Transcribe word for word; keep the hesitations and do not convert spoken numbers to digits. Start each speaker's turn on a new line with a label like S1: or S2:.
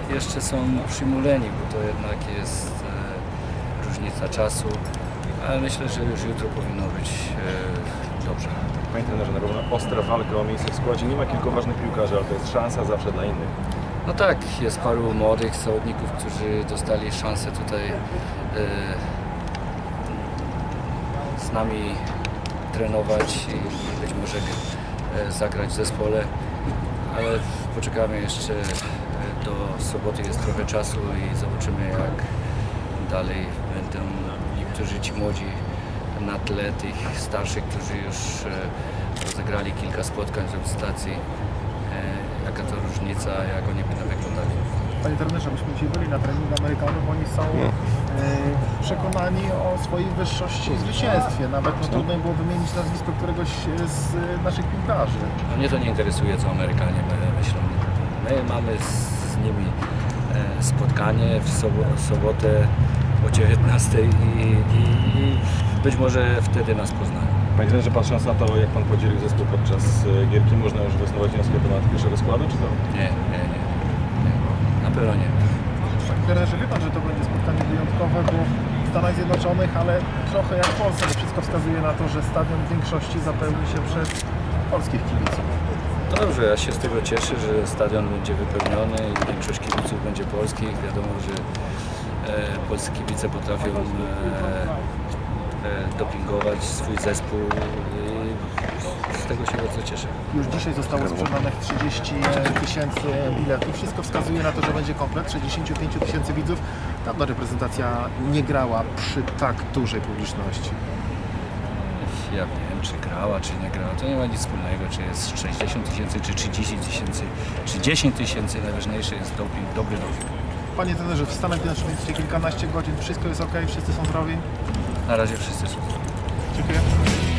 S1: jeszcze są przymuleni, bo to jednak jest e, różnica czasu, ale myślę, że już jutro powinno być e, dobrze.
S2: Panie trenerze, na równo ostra walka o miejsce w składzie. Nie ma kilku ważnych piłkarzy, ale to jest szansa zawsze dla innych.
S1: No tak, jest paru młodych zawodników, którzy dostali szansę tutaj e, z nami trenować i być może e, zagrać w zespole, ale poczekamy jeszcze do soboty, jest trochę czasu i zobaczymy, jak dalej będą niektórzy ci młodzi na tle tych starszych, którzy już e, rozegrali kilka spotkań w reprezentacji. E, jaka to różnica, jak oni będą wyglądali.
S3: Panie trenerze, myśmy dzisiaj byli na treningu Amerykanów, oni są e, przekonani o swojej wyższości i zwycięstwie. Nawet no, trudno było wymienić nazwisko któregoś z naszych piłkarzy.
S1: No, mnie to nie interesuje, co Amerykanie myślą. My mamy z nimi e, spotkanie w sobotę o dziewiętnastej i, i, i być może wtedy nas poznają.
S2: Panie trenerze, patrząc na to, jak pan podzielił zespół podczas gierki, można już wysnuwać wnioski na temat pierwszego składu, czy to?
S1: Nie, nie, nie. nie. Na pewno nie.
S3: Panie trenerze, wie pan, że to będzie spotkanie wyjątkowe, bo w Stanach Zjednoczonych, ale trochę jak w Polsce. Wszystko wskazuje na to, że stadion w większości zapełni się przez polskich kibiców.
S1: Dobrze, ja się z tego cieszę, że stadion będzie wypełniony i większość kibiców będzie polskich. Wiadomo, że e, polscy kibice potrafią e, e, dopingować swój zespół i z tego się bardzo cieszę.
S3: Już dzisiaj zostało sprzedanych trzydzieści tysięcy biletów. Wszystko wskazuje na to, że będzie komplet sześćdziesiąt pięć tysięcy widzów. Dawno reprezentacja nie grała przy tak dużej publiczności.
S1: Ja wiem, czy grała, czy nie grała. To nie ma nic wspólnego, czy jest sześćdziesiąt tysięcy, czy trzydzieści tysięcy, czy dziesięć tysięcy. Najważniejszy jest doping, dobry doping.
S3: Panie trenerze, w Stanach Zjednoczonych jesteście kilkanaście godzin, wszystko jest ok, wszyscy są zdrowi?
S1: Na razie wszyscy są.
S3: Dziękuję.